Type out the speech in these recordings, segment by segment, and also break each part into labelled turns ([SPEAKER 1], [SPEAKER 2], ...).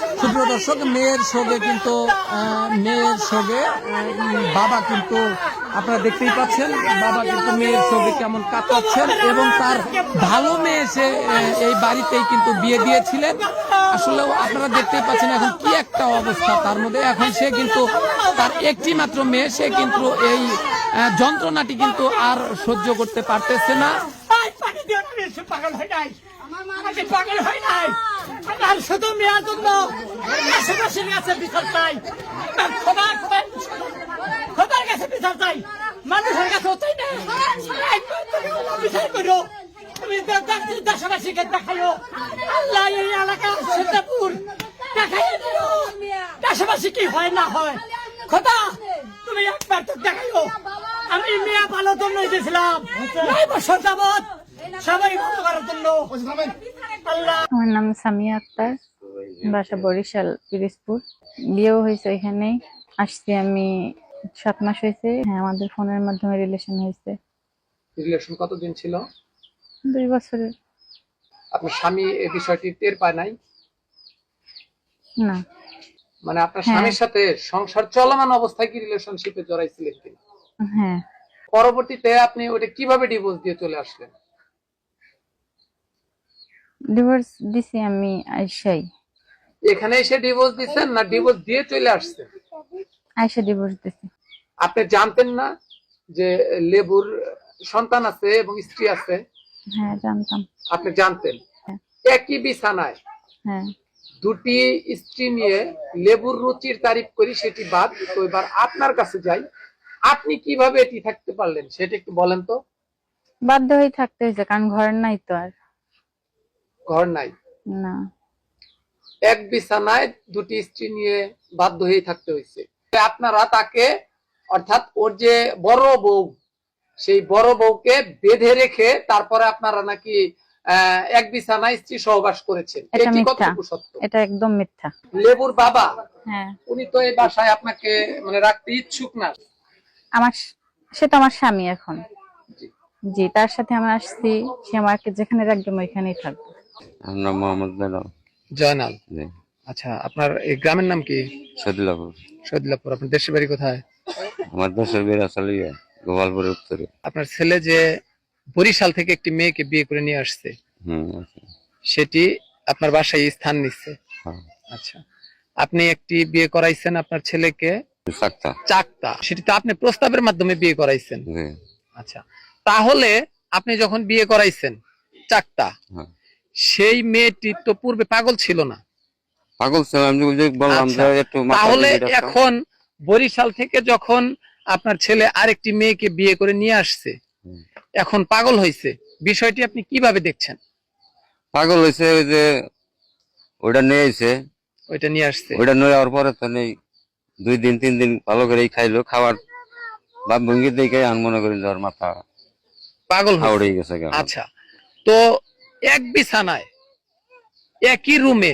[SPEAKER 1] সুপ্রিয় দর্শক, মেয়ের সঙ্গে কিন্তু বাবা কিন্তু আপনারা দেখতেই পাচ্ছেন, বাবা কিন্তু মেয়ের সঙ্গে কেমন কাটাচ্ছেন এবং তার ভালো মেয়ে সে এই বাড়িতেই কিন্তু বিয়ে দিয়েছিলেন। আসলেও আপনারা দেখতেই পাচ্ছেন এখন কি একটা অবস্থা তার মধ্যে। এখন সে কিন্তু তার একটি মাত্র মেয়ে, সে কিন্তু এই যন্ত্রণাটি কিন্তু আর সহ্য করতে পারতেছে না।
[SPEAKER 2] পাগল হয় নাই, আমি পাগল হয় নাই। আমার শুধু মেয়ের জন্য আশেপাশের কাছে বিচার চাই, খোদার কাছে বিচার চাই, মানুষের কাছে চাই না। বিচার করো, তুমি দেশবাসীকে দেখাইও, আল্লাহ এই এলাকা সীতাপুর দেখাই দিও দেশবাসী কি হয় না হয়। খোদা তুমি একবার তো দেখাইও। আমি মেয়ে ভালো জন্য দিয়েছিলাম 9 বছর যাবত, সবাই ভালো করার জন্য।
[SPEAKER 3] আমার নাম সামিয়া আক্তার, বাসা বরিশাল পিরিজপুর। বিয়েও হয়েছে এখানেই। আসছি আমি 7 মাস হয়েছে। হ্যাঁ, আমাদের ফোনের মাধ্যমে রিলেশন হয়েছে।
[SPEAKER 1] রিলেশন কতদিন ছিল?
[SPEAKER 3] 2 বছরের।
[SPEAKER 1] আপনার স্বামী এই বিষয়টি টের পায় নাই?
[SPEAKER 3] না,
[SPEAKER 1] মানে আপনার স্বামীর সাথে সংসার চলমান অবস্থায় কি রিলেশনশিপে জড়াইছিলেন কিনা?
[SPEAKER 3] হ্যাঁ।
[SPEAKER 1] পরবর্তীতে আপনি ওটা কিভাবে ডিভোর্স দিয়ে চলে আসলেন?
[SPEAKER 3] ডিভোর্স দিছি আমি আইসাই।
[SPEAKER 1] এখানে এসে ডিভোর্স দিচ্ছেন না ডিভোর্স দিয়ে চলে আসছেন?
[SPEAKER 3] আইসা ডিভোর্স দিছি।
[SPEAKER 1] আপনি জানতেন না যে লেবুর সন্তান আছে এবং স্ত্রী আছে?
[SPEAKER 3] হ্যাঁ, জানতাম।
[SPEAKER 1] আপনি জানতেন।
[SPEAKER 3] হ্যাঁ।
[SPEAKER 1] একই বিছানায়
[SPEAKER 3] হ্যাঁ।
[SPEAKER 1] দুটি স্ত্রী নিয়ে লেবুর রুচির তারিফ করি, সেটি বাদ। তো এবার আপনার কাছে যাই, আপনি কিভাবে এটি থাকতে পারলেন সেটা একটু বলেন তো।
[SPEAKER 3] বাধ্য হয়ে থাকতে হয়েছে, কারণ ঘর নাই তো আর।
[SPEAKER 1] ঘর নাই?
[SPEAKER 3] না।
[SPEAKER 1] এক বিছানায় দুটি স্ত্রী নিয়ে বাধ্য হয়ে থাকতে হয়েছে। আপনারা তাকে, অর্থাৎ ওর যে বড় বউ, সেই বড় বউকে বেঁধে রেখে তারপরে আপনারা নাকি এক বিছানায় স্ত্রী সহবাস করেছেন।
[SPEAKER 3] এটা
[SPEAKER 1] এটি
[SPEAKER 3] মিথ্যা।
[SPEAKER 1] কতটুকু সত্য?
[SPEAKER 3] এটা একদম মিথ্যা।
[SPEAKER 1] লেবুর বাবা,
[SPEAKER 3] হ্যাঁ,
[SPEAKER 1] উনি তো এই বাসায় আপনাকে মানে রাখতে ইচ্ছুক না।
[SPEAKER 3] সে তো আমার স্বামী এখন। জি, তার সাথে আমরা আসছি, সে আমাকে যেখানে রাখবে আমি ওইখানেই থাকবো।
[SPEAKER 4] আমরা মোহাম্মদ
[SPEAKER 1] জয়নাল। আচ্ছা, আপনার এই গ্রামের নাম কি?
[SPEAKER 4] সদিলাপুর।
[SPEAKER 1] সদিলাপুর। আপনার দেশের বাড়ি কোথায়?
[SPEAKER 4] আমার দেশের বাড়ি আসলে গোপালপুরের উত্তরে।
[SPEAKER 1] আপনার ছেলে যে বরিশাল থেকে একটি মেয়েকে বিয়ে করে নিয়ে আসছে, সেটি আপনার বাসায় স্থান নিচ্ছে? আচ্ছা, আপনি একটি বিয়ে করাইছেন আপনার ছেলেকে চাকতা, সেটি তো আপনি প্রস্তাবের মাধ্যমে বিয়ে করাইছেন। আচ্ছা, তাহলে আপনি যখন বিয়ে করাইছেন চাকতা, সেই মেয়েটি তো পূর্বে পাগল ছিল না?
[SPEAKER 4] পাগল ছিল, আমি বললাম যে একটু।
[SPEAKER 1] তাহলে এখন বরিশাল থেকে যখন আপনার ছেলে আরেকটি মেয়েকে বিয়ে করে নিয়ে আসছে, এখন পাগল হয়েছে, বিষয়টি আপনি কিভাবে দেখছেন?
[SPEAKER 4] পাগল হয়েছে ওই যে ওইটা নিয়ে আইছে,
[SPEAKER 1] ওইটা নিয়ে আসছে,
[SPEAKER 4] ওইটা নিয়ে যাওয়ার পরে তো নেই 2 দিন 3 দিন ভালো করে খাইলো, খাওয়ার ভাব ভঙ্গি দেখে আমি মনে করি যাওয়ার মাথা
[SPEAKER 1] পাগল
[SPEAKER 4] হয়ে গেছে।
[SPEAKER 1] আচ্ছা, তো এক বিছানায় একই রুমে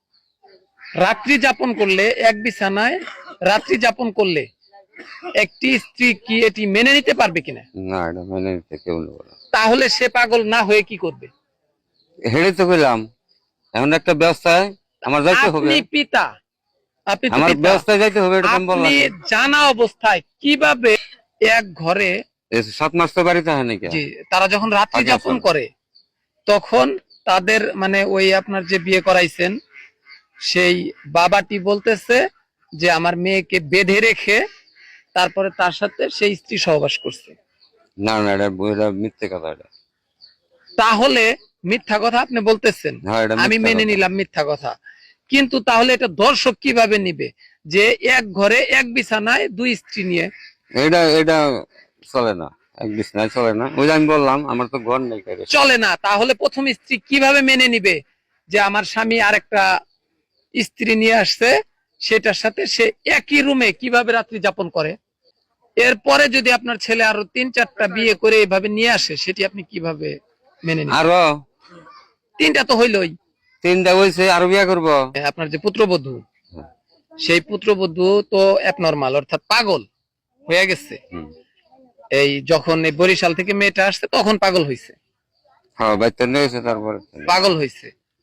[SPEAKER 1] রাত্রি যাপন করলে, এক বিছানায় রাত্রি যাপন করলে একটি স্ত্রী কি এটি মেনে নিতে পারবে কিনা?
[SPEAKER 4] না, এটা মেনে নিতে কেউ নেই।
[SPEAKER 1] তাহলে সে পাগল না হয়ে কি করবে?
[SPEAKER 4] হেঁটে তো গেলাম, এখন একটা ব্যবস্থায় আমার যাইতে হবে।
[SPEAKER 1] আপনি পিতা, আপনি
[SPEAKER 4] আমার ব্যবস্থায় যাইতে হবে, এটা
[SPEAKER 1] আপনি জানা অবস্থায় কিভাবে এক ঘরে
[SPEAKER 4] 7 মাস তো বাড়িতে হয় নাকি?
[SPEAKER 1] জি, তারা যখন রাত্রি যাপন করে তখন তাদের মানে ওই আপনার যে বিয়ে করাইছেন সেই বাবাটি বলতেছে যে আমার মেয়েকে বেঁধে রেখে তারপরে তার সাথে সেই স্ত্রী সহবাস করছে।
[SPEAKER 4] না না, এটা মিথ্যে কথা। এটা
[SPEAKER 1] তাহলে মিথ্যা কথা আপনি বলতেছেন, আমি মেনে নিলাম মিথ্যা কথা, কিন্তু তাহলে এটা দর্শক কিভাবে নিবে যে এক ঘরে এক বিছানায় 2 স্ত্রী নিয়ে?
[SPEAKER 4] এটা চলে না, এক বিছানায় চলে না। ওই আমি বললাম আমার তো ঘর নেই।
[SPEAKER 1] চলে না, তাহলে প্রথম স্ত্রী কিভাবে মেনে নিবে যে আমার স্বামী আরেকটা স্ত্রী নিয়ে আসছে, সেটার সাথে সে একই রুমে কিভাবে রাত্রি যাপন করে? এরপরে যদি আপনার ছেলে আরো 3-4টা বিয়ে করে এইভাবে নিয়ে আসে, সেটি আপনি কিভাবে মেনে নিবেন?
[SPEAKER 4] আরো
[SPEAKER 1] 3টা তো হইলই।
[SPEAKER 4] 3টা হইছে, আরো বিয়ে করবো।
[SPEAKER 1] আপনার যে পুত্রবধূ, সেই পুত্রবধূ তো অ্যাবনরমাল, অর্থাৎ পাগল হয়ে গেছে। এই যখন এই বরিশাল থেকে মেয়েটা আসছে তখন পাগল হয়েছে।
[SPEAKER 4] হ্যাঁ, বাইতে নিয়েছে, তারপরে
[SPEAKER 1] পাগল হয়েছে।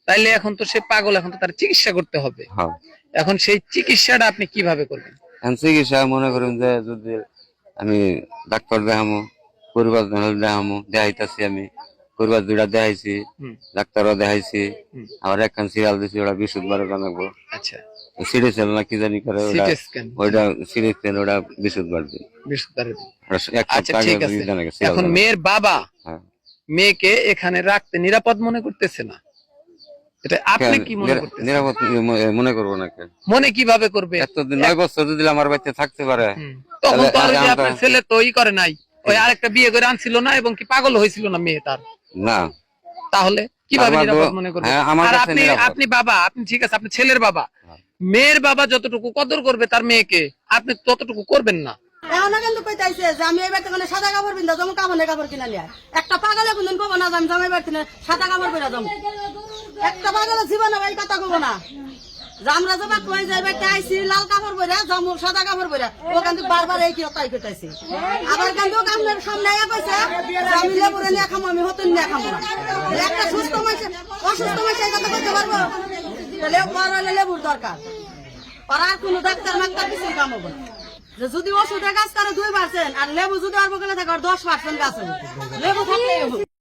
[SPEAKER 1] তাইলে এখন তো সে পাগল, এখন তো তার চিকিৎসা করতে হবে।
[SPEAKER 4] হ্যাঁ
[SPEAKER 1] এখন সেই চিকিৎসাটা আপনি কিভাবে করবেন?
[SPEAKER 4] এখন চিকিৎসা মনে করেন যে যদি আমি ডাক্তার দেখামো, পরিবার দেখামো, দেখাইতেছি আমি পরিবার 2টা দেখাইছি,
[SPEAKER 1] হুম।
[SPEAKER 4] ডাক্তারও দেখাইছি,
[SPEAKER 1] হুম।
[SPEAKER 4] আবার একখান সিরিয়াল দিছি, ওটা বিশুদ্ধবারে জানাবো।
[SPEAKER 1] আচ্ছা,
[SPEAKER 4] সিটি সেল না কি জানি করে, ওটা
[SPEAKER 1] সিটি স্ক্যান,
[SPEAKER 4] ওইটা সিটি সেল, ওটা বিশুদ্ধবার দিই।
[SPEAKER 1] আচ্ছা ঠিক আছে। এখন মেয়ের বাবা
[SPEAKER 4] হ্যাঁ।
[SPEAKER 1] মেয়েকে এখানে রাখতে নিরাপদ মনে করতেছে না, এটা আপনি কি মনে করতেছেন?
[SPEAKER 4] নিরাপদ মনে করবো না কেন?
[SPEAKER 1] মনে কিভাবে করবে?
[SPEAKER 4] এতদিন 9 বছর যদি আমার বাড়িতে থাকতে পারে,
[SPEAKER 1] তখন তো আর
[SPEAKER 4] তাহলে
[SPEAKER 1] যে আপনার ছেলে তো ই করে নাই, ওই আরেকটা বিয়ে করে আনছিল না, এবং কি পাগল হয়েছিল না মেয়ে তার,
[SPEAKER 4] না
[SPEAKER 1] তাহলে কিভাবে
[SPEAKER 4] আমার
[SPEAKER 1] নিরাপদ
[SPEAKER 4] তো-
[SPEAKER 1] মনে করবে?
[SPEAKER 4] হ্যাঁ, আমার
[SPEAKER 1] আর
[SPEAKER 4] কাছে
[SPEAKER 1] আপনি
[SPEAKER 4] নিরাপদ।
[SPEAKER 1] আপনি বাবা, আপনি ঠিক আছে, আপনি ছেলের বাবা,
[SPEAKER 4] হ্যাঁ।
[SPEAKER 1] মেয়ের বাবা যতটুকু কদর করবে তার মেয়েকে, আপনি ততটুকু করবেন না।
[SPEAKER 5] এখন কিন্তু কইতাইছে যে আমি এবার থেকে সাদা কাপড় পিন্ধা যাবো, কাপড়ের কাপড় কিনা লিয়া। একটা পাগলে কোনদিন কব না যে আমি জামাই বাড়ি সাদা কাপড় পরে যাবো। একটা পাগলে জীবনে এই কথা কব না যে আমরা যাবা কই যাইবে আইসি লাল কাপড় পরে যাবো, সাদা কাপড় পরে। ও কিন্তু বারবার এই কি তাই কইতাইছে। আবার কিন্তু আপনার সামনে আয়া কইছে যে আমি লেবুরে নিয়ে খামো, আমি হতুন নিয়ে খামো না। একটা সুস্থ মানুষ অসুস্থ মানুষ এই কথা কইতে পারবো? তাহলে পড়ালে লেবুর দরকার, আর কোনো ডাক্তার মাক্তার কিছু কাম হবে না। যে যদি ওষুধের গাছ করে 2% আর লেবু যদি অল্প করে থাকে 10% গাছ হবে, লেবু থাকলেই হবে।